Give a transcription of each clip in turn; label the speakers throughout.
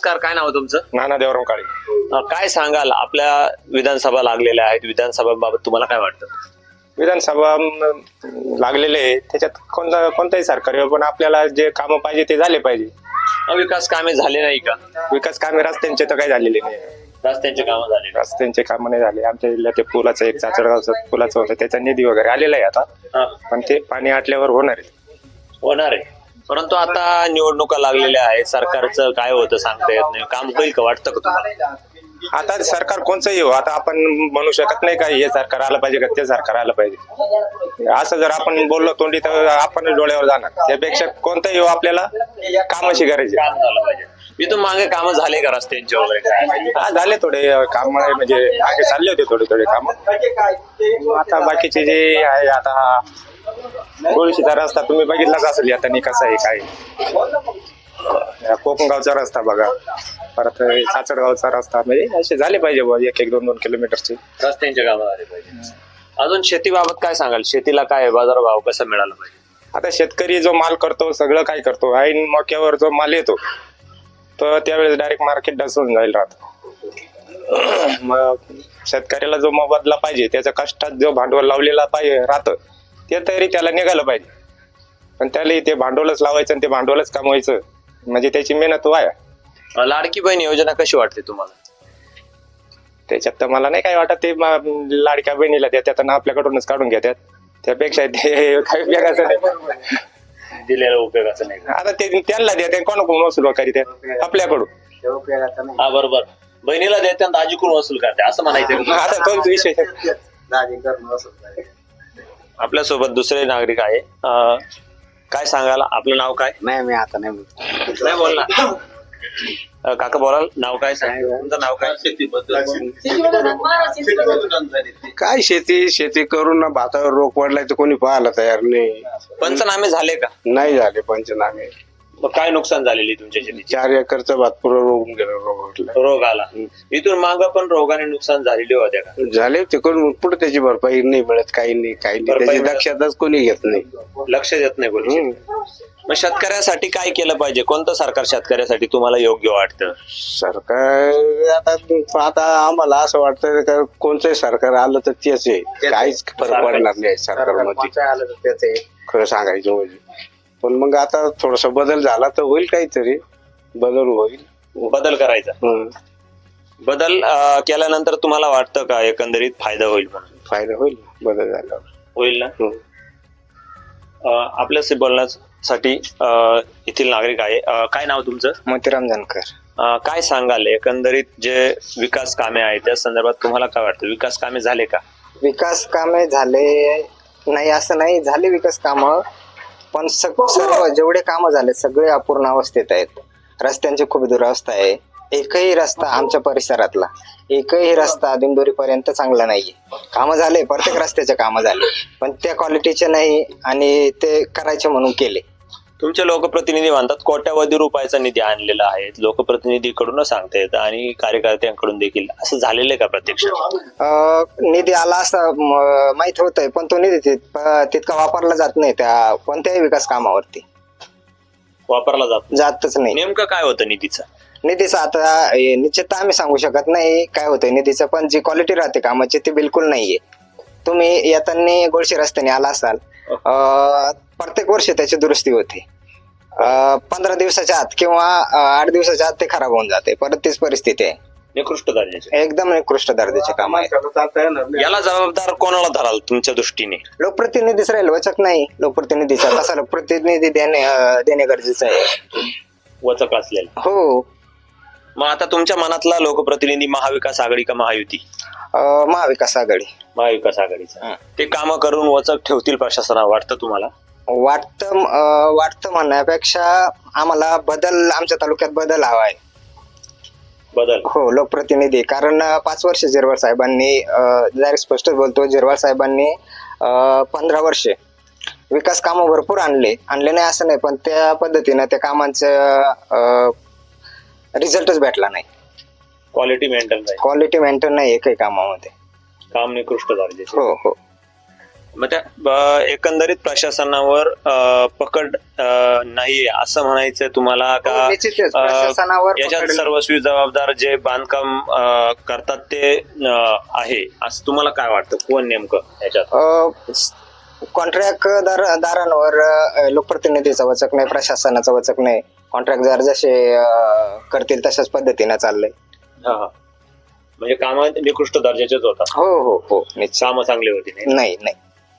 Speaker 1: नमस्कार, काय नाव तुमचं?
Speaker 2: नाना देवराम काळे.
Speaker 1: काय सांगाल, आपल्या विधानसभा लागलेल्या आहेत, विधानसभाबाबत तुम्हाला काय वाटतं?
Speaker 2: विधानसभा लागलेले आहे, त्याच्यात कोणताही सरकार येऊ, पण आपल्याला जे कामं पाहिजे ते झाले पाहिजे.
Speaker 1: विकास कामे झाले नाही का?
Speaker 2: विकास कामे रस्त्यांचे तर काही झालेले नाही.
Speaker 1: रस्त्यांचे कामं झाले नाही.
Speaker 2: रस्त्यांचे कामं नाही झाले. आमच्या जिल्ह्यात ते पुलाचं एक चाचडगावचं पुलाचं होतं, त्याचा निधी वगैरे आलेला आहे आता,
Speaker 1: हा,
Speaker 2: पण ते पाणी आटल्यावर होणार आहे.
Speaker 1: होणार आहे. परंतु आता निवडणुका लागलेल्या आहेत, सरकारचं काय होतं सांगता येत नाही. काम होईल का वाटतं का तुम्हाला?
Speaker 2: आता सरकार कोणचंही हो, आता आपण म्हणू शकत नाही का हे सरकार आलं पाहिजे का ते सरकार आलं पाहिजे. असं जर आपण बोललो तोंडी तर आपण डोळ्यावर जाणार. त्यापेक्षा कोणतंही हो, आपल्याला कामाशी करायची.
Speaker 1: काम झालं पाहिजे. इथून मागे कामं झाले का रस्त्यांचे वगैरे काय?
Speaker 2: हा, झाले थोडे काम, म्हणजे मागे चालले होते थोडे काम. आता बाकीचे जे आहे, आता गोळशीचा रस्ता तुम्ही बघितलाच असेल आता कसा आहे काय. कोकणगावचा रस्ता बघा, परत साचडगावचा रस्ता, म्हणजे असे झाले पाहिजे बुवा 1-2 किलोमीटरचे
Speaker 1: रस्त्यांचे कामं झाले पाहिजे. अजून शेतीबाबत काय सांगाल? शेतीला काय बाजारभाव कसा मिळाला पाहिजे?
Speaker 2: आता शेतकरी जो माल करतो सगळं काय करतो, ऐन मक्यावर जो माल येतो तर त्यावेळेस डायरेक्ट मार्केट डसून जाईल राहत. मग शेतकऱ्याला जो मोबदला पाहिजे, त्याच्या कष्टात जो भांडवल लावलेला पाहिजे राहतं ते तरी त्याला निघालं पाहिजे. पण त्याला ते भांडवलच लावायचं आणि ते भांडवलच कमवायचं, म्हणजे त्याची मेहनत वाया.
Speaker 1: लाडकी बहीण योजना कशी वाटते तुम्हाला?
Speaker 2: त्याच्यात तर मला नाही काय वाटत. ते लाडक्या बहिणीला देतात आणि आपल्याकडूनच काढून घेतात, त्यापेक्षा ते काही उपयोगाचं नाही.
Speaker 1: दिलेला उपयोगाचं नाही.
Speaker 2: आता ते त्यांना देतात, कोणाकडून वसूल करतात? आपल्याकडून.
Speaker 1: हा, बरोबर. बहिणीला देते आणि दाजीकडून वसूल करते असं म्हणायचं.
Speaker 2: आता तोच विषय.
Speaker 1: आपल्यासोबत दुसरे नागरिक आहे. काय सांगाल, आपलं नाव काय?
Speaker 3: नाही, मी आता नाही
Speaker 1: बोलणार. काका बोलाल, नाव काय सांग? तुमचं नाव काय?
Speaker 3: काय शेती करून ना भातावर रोग पडलाय तर कोणी पाहायला तयार नाही.
Speaker 1: पंचनामे झाले का?
Speaker 3: नाही झाले पंचनामे.
Speaker 1: मग काय नुकसान झालेली तुमच्या शेतीची?
Speaker 3: 4 एकरचा भात पुरा रोग गेला,
Speaker 1: रोग आला. इथून माग पण रोगाने नुकसान झालेली होत्या का?
Speaker 3: झाले ते करून पुढे त्याची भरपाई नाही मिळत, काही नाही त्याची दक्षताच कोणी घेत नाही,
Speaker 1: लक्ष देत नाही कोणी. मग शेतकऱ्यासाठी काय केलं पाहिजे? कोणतं सरकार शेतकऱ्यासाठी तुम्हाला योग्य वाटतं?
Speaker 3: सरकार आता आम्हाला असं वाटतं का कोणतंही सरकार आलं तर तेच आहे, काहीच फरक पडणार नाही सरकारमध्ये खरं सांगायचं म्हणजे. पण मग आता थोडासा बदल झाला तर होईल, काहीतरी बदल होईल.
Speaker 1: बदल करायचा. बदल केल्यानंतर तुम्हाला वाटतं का एकंदरीत फायदा होईल म्हणून?
Speaker 3: फायदा होईल बदल झाल्यावर.
Speaker 1: होईल ना. आपल्याशी बोलण्यासाठी येथील नागरिक आहे. काय नाव तुमचं?
Speaker 2: मोतीराम जानकर.
Speaker 1: काय सांगाल, एकंदरीत जे विकास कामे आहेत त्या संदर्भात तुम्हाला काय वाटतं? विकास कामे झाले का?
Speaker 4: विकास कामे झाले नाही असं नाही, झाले विकास कामं, पण सर्व जेवढे कामं झाले सगळे अपूर्ण अवस्थेत आहेत. रस्त्यांची खूप दुरावस्था आहे. एकही रस्ता आमच्या परिसरातला एकही रस्ता दिंडोरी पर्यंत चांगला नाहीये. कामं झाले, प्रत्येक रस्त्याचे कामं झाले, पण त्या क्वालिटीचे नाही आणि ते करायचे म्हणून केले.
Speaker 1: तुमचे लोकप्रतिनिधी म्हणतात कोट्यावधी रुपयाचा निधी आणलेला आहे, लोकप्रतिनिधीकडूनच सांगता येतं आणि कार्यकर्त्यांकडून देखील. असं झालेलं आहे का प्रत्यक्षात?
Speaker 4: निधी आला असं माहित होतंय, पण तो निधी तितका वापरला जात नाही त्या कोणत्याही विकास कामावरती.
Speaker 1: वापरला
Speaker 4: जातच नाही.
Speaker 1: नेमकं काय होतं निधीचं
Speaker 4: आता निश्चित आम्ही सांगू शकत नाही काय होतंय निधीचं, पण जी क्वालिटी राहते कामाची ती बिलकुल नाहीये. तुम्ही येताना गोळशी रस्त्याने आला असाल, प्रत्येक वर्षी त्याची दुरुस्ती होते. 15 दिवसाच्या आत किंवा 8 दिवसाच्या आत ते खराब होऊन जाते. परत तीच परिस्थिती आहे.
Speaker 1: निकृष्ट दर्जाचे,
Speaker 4: एकदम निकृष्ट दर्जाचे काम आहे.
Speaker 1: याला जबाबदार कोणाला धराल तुमच्या दृष्टीने?
Speaker 4: लोकप्रतिनिधीच राहील, वचक नाही लोकप्रतिनिधीचा. तसा लोकप्रतिनिधी देणे गरजेचं आहे.
Speaker 1: वचक असलेला.
Speaker 4: हो.
Speaker 1: मग आता तुमच्या मनातला लोकप्रतिनिधी महाविकास आघाडी का महायुती?
Speaker 4: महाविकास आघाडी.
Speaker 1: महाविकास आघाडीचा. ते कामं करून वचक ठेवतील प्रशासनाला वाटतं तुम्हाला?
Speaker 4: वाटतं म्हणण्यापेक्षा आम्हाला बदल, आमच्या तालुक्यात बदल हवा आहे.
Speaker 1: बदल?
Speaker 4: हो, लोकप्रतिनिधी. कारण 5 वर्ष जिरवाळ साहेबांनी, डायरेक्ट स्पष्ट बोलतो, जिरवाळ साहेबांनी 15 वर्षे विकास कामं भरपूर आणले नाही असं नाही, पण त्या पद्धतीनं त्या कामांचं रिझल्टच भेटला नाही.
Speaker 1: क्वालिटी मेंटेन नाही
Speaker 4: एकही कामामध्ये.
Speaker 1: काम निकृष्ट दर्जाचे.
Speaker 4: हो.
Speaker 1: मग त्या एकंदरीत प्रशासनावर पकड नाहीये असं म्हणायचंय तुम्हाला का?
Speaker 4: हो, निश्चितच प्रशासनावर
Speaker 1: याच्यात
Speaker 4: पकड-
Speaker 1: सर्वस्वी जबाबदार जे बांधकाम करतात ते आहे असं तुम्हाला काय वाटतं? कोण नेमकं याच्यात?
Speaker 4: कॉन्ट्रॅक्टदारांवर लोकप्रतिनिधीचा वचक नाही, प्रशासनाचा वचक नाही. कॉन्ट्रॅक्टदार जसे करतील तशाच पद्धतीने चाललंय.
Speaker 1: हा, हा. म्हणजे काम निकृष्ट दर्जाचेच होतात,
Speaker 4: हो हो हो निश्चित.
Speaker 1: कामं चांगली होती नाही.
Speaker 4: नाही नाही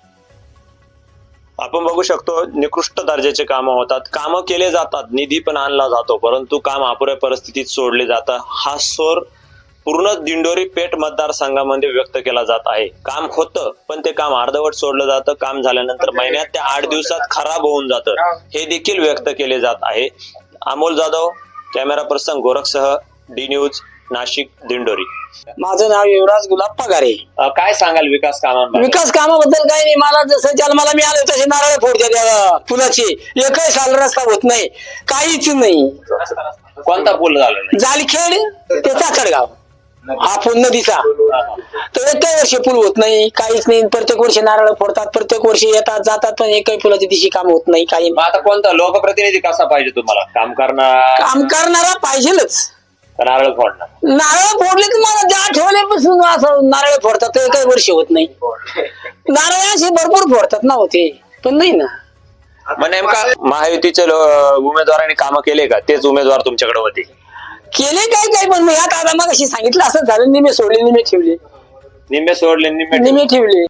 Speaker 1: आपण बघू शकतो निकृष्ट दर्जाचे कामं होतात, कामं केले जातात, निधी पण आणला जातो, परंतु काम अपुऱ्या परिस्थितीत सोडले जातं. हा स्वर पूर्ण दिंडोरी पेठ मतदारसंघामध्ये व्यक्त केला जात आहे. काम होतं पण ते काम अर्धवट सोडलं जातं. काम झाल्यानंतर महिन्यात ते 8 दिवसात खराब होऊन जातं, हे देखील व्यक्त केले जात आहे. अमोल जाधव, कॅमेरा पर्सन गोरखसह, डी न्यूज, नाशिक, दिंडोरी.
Speaker 5: माझं नाव युवराज गुलाब पगारे.
Speaker 1: काय सांगाल विकास कामांबद्दल?
Speaker 5: विकास कामाबद्दल काही नाही. मला जसं जन्माला मिळालं तसे नारळ फोडते त्या पुलाची. एकही साल रस्ता होत नाही, काहीच नाही.
Speaker 1: कोणता पूल झाला नाही?
Speaker 5: जालखेड ते चाकणगाव हा पूल नदीचा, तर एकही वर्षी पूल होत नाही, काहीच नाही. प्रत्येक वर्षी नारळ फोडतात, प्रत्येक वर्षी येतात जातात, पण एकही पुलाच्या दिवशी काम होत नाही, काही
Speaker 1: मग आता कोणता लोकप्रतिनिधी कसा पाहिजे तुम्हाला? काम करणार
Speaker 5: काम करणारा पाहिजेलच.
Speaker 1: का नारळ फोडणार?
Speaker 5: नारळ फोडले तर मला ज्या ठेवल्यापासून असं नारळ फोडतात, तर एकही वर्षी होत नाही. नारळ असे भरपूर फोडतात ना होते, पण नाही ना.
Speaker 1: मग नेमका महायुतीचे उमेदवारांनी कामं केले का? तेच उमेदवार तुमच्याकडे होते?
Speaker 5: केले काय काय, पण मग आता मग अशी सांगितलं असं झालं, निमे सोडले निमे ठेवले,
Speaker 1: निम्मे सोडले निम्मे
Speaker 5: निमे ठेवले.